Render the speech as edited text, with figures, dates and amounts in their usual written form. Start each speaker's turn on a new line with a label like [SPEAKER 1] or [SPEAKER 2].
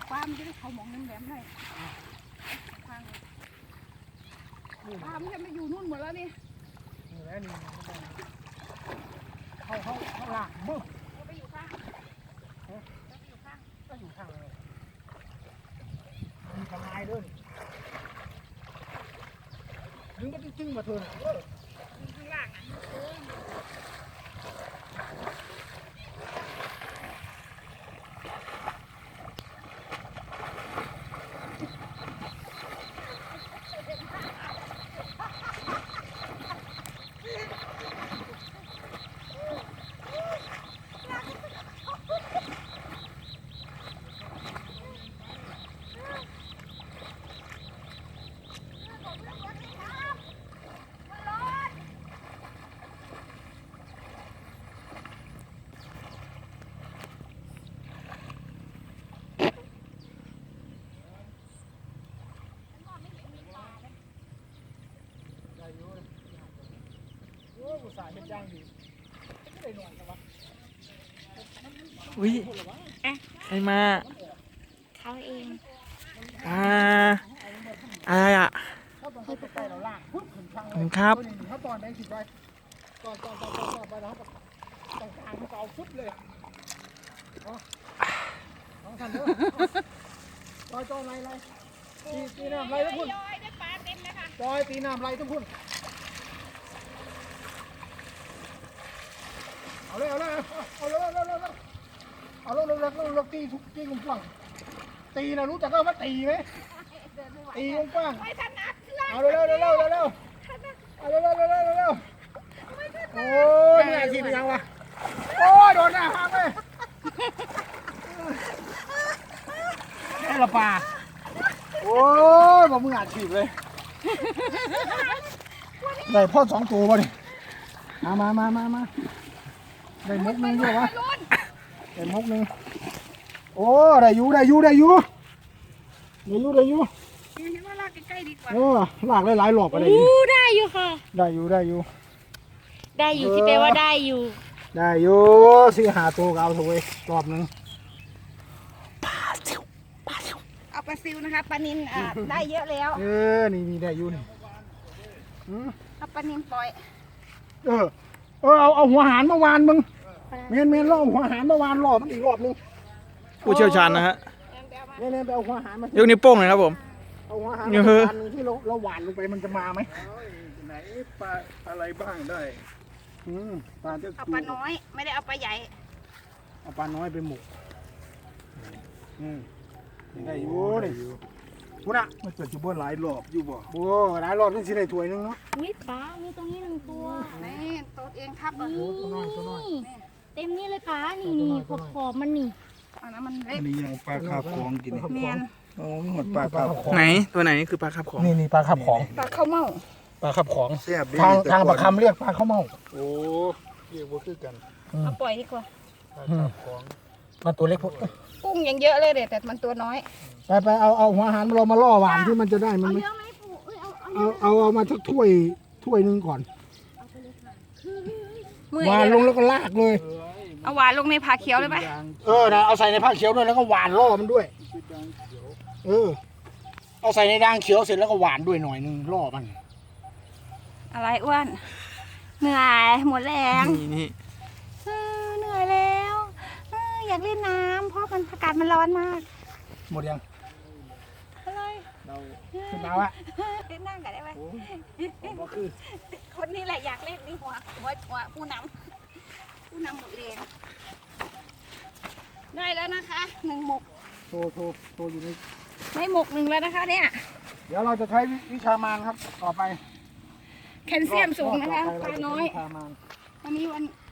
[SPEAKER 1] ปลามันจะได้เขาหมองน้ำแหลมหน่อยทางปลามันจะมาอยู่นู่นหมดแล้วนี่
[SPEAKER 2] นี่แหละนี่เขาหลักมึก
[SPEAKER 1] เราไปอยู่ข้างเราไปอยู่ข้าง
[SPEAKER 2] ก็อยู่ข้างเลยมีทลายด้วยดึงก็จึ้งมาเถอะ
[SPEAKER 1] ข้างล่างอ่ะ
[SPEAKER 2] อุตส่าห์เป็นย่างดีไม่ได้นอนกันวะ
[SPEAKER 3] อุ้ยใครมา
[SPEAKER 1] เขาเอง
[SPEAKER 3] อะไรอ่ะ
[SPEAKER 2] เขาต้องให้ใกล้เราล่างปุ๊บถึงทางเลย
[SPEAKER 3] ครับ
[SPEAKER 2] เขาตอนแบงค์สิบไว้ตอนไปแล้วตรงกลางเขาเอาฟุตเลยน้องทันเด้อจอยไรตีน้ำไรทุกคน
[SPEAKER 1] ได้ปลาเต็มเลยค่ะ
[SPEAKER 2] จอยตีน้ำไรทุกคนเอาเลยตีทุกตีกว้างตีนะรู้จักว่าตีไหมตีกว้าง
[SPEAKER 1] ไม่ถนัด
[SPEAKER 2] เอาเร็วโอ้ยนี่อาชีพยังวะโอ้ยโดนหน้าห้างเลยแค่ละปลาโอ้ยบอกมึงอาชีพเลยได้พ่อ2 ตัวป่ะดิมาได้มกนึงด้วยวะได้มกนึงโอ้ได้อยู่
[SPEAKER 1] เห็นว่าลากใกล้ๆดีกว่า
[SPEAKER 2] ลากหลายรอบอะไร
[SPEAKER 1] ได้อยู่ค่ะ
[SPEAKER 2] ได้อยู่
[SPEAKER 1] ที่แปลว่าได้อยู่
[SPEAKER 2] สิหาตัวเอาถูกไว้รอบนึง
[SPEAKER 3] ปลาซิว
[SPEAKER 1] เอาปลาซิวนะคะปลานิลได้เยอะแล้ว
[SPEAKER 2] นี่ได้อยู่นี่
[SPEAKER 1] เอาปลานิลปล่อย
[SPEAKER 2] เอาหัวหารมาวานมึงเมนล่อหัวหารมาวานรอบมันอีกรอบนึง
[SPEAKER 3] ผู้เชี่ยวชาญนะฮะ
[SPEAKER 2] เมนไปเอาหัวหารมาย
[SPEAKER 3] กนิ้วโป้งเลยครับผม
[SPEAKER 2] เอาหัวหารที่เราหวานลงไปมันจะมาไหมไหนปลาอะไรบ้างได้ปลา
[SPEAKER 1] เอาปลาน้อยไม่ได้เอาปลาใหญ่
[SPEAKER 2] เอาปลาน้อยไปหมกได้อยู่นี่คุณอะมันเกิดอยู่บนหลายรอบอยู่บ่หลายรอบนี่สิได้ถ้วยนึงเนาะ
[SPEAKER 1] วิปลามีตรงนี้1 ตัวนี่ตัวเองครับ
[SPEAKER 2] ตัวน้อย
[SPEAKER 1] เต็มนี่เลยปลานี่ขอบมันนี่อันนั้นมันเล็ก
[SPEAKER 2] นี่ยังปลาคาบของกินเมียนหมดปลาคาบของ
[SPEAKER 3] ไหนตัวไหนคือปลาคาบของ
[SPEAKER 2] นี่ปลาคาบของ
[SPEAKER 1] ปลาข้าวเม่า
[SPEAKER 2] ปลาคาบของทางปลาคำเรียกปลาข้าวเม่าโอ้เรียกว่าคือกัน
[SPEAKER 1] เอาปล่อยดีกว่า
[SPEAKER 2] ปลาคาบของมันตัวเล็กพวก
[SPEAKER 1] กุ้งยังเยอะเลยแต่มันตัวน้อย
[SPEAKER 2] ไปเอาหัวอาหารเรามาล่อหวานที่มันจะได้มันไหมเอามาสักถ้วยนึงก่อนหวานลงแล้วก็ลากเลย
[SPEAKER 1] เอาหวานลงในผ้าเขียวเลยไหม
[SPEAKER 2] นะเอาใส่ในผ้าเขียวด้วยแล้วก็หวานล่อมันด้วยเอาใส่ในด่างเขียวเสร็จแล้วก็หวานด้วยหน่อยนึงล่อมัน
[SPEAKER 1] อะไรอ้วนเหนื่อยหมดแรง
[SPEAKER 3] นี่
[SPEAKER 1] เหนื่อยแล้วอยากเล่นน้ำเพราะอากาศมันร้อนมาก
[SPEAKER 2] หมดยัง
[SPEAKER 1] อะไร
[SPEAKER 2] ขึ้นมาว่ะ
[SPEAKER 1] เล่นนั่งกันได้ไหมคนนี้แหละอยากเล่นนี่หัวผู้นำหมดแรงได้แล้วนะคะ1 หมก
[SPEAKER 2] โตอยู่
[SPEAKER 1] ในหมก1แล้วนะคะเนี่ย
[SPEAKER 2] เดี๋ยวเราจะใช้วิชามานครับต่อไป
[SPEAKER 1] แคลเซียมสูงนะคะปลาน้อยวันนี้วัน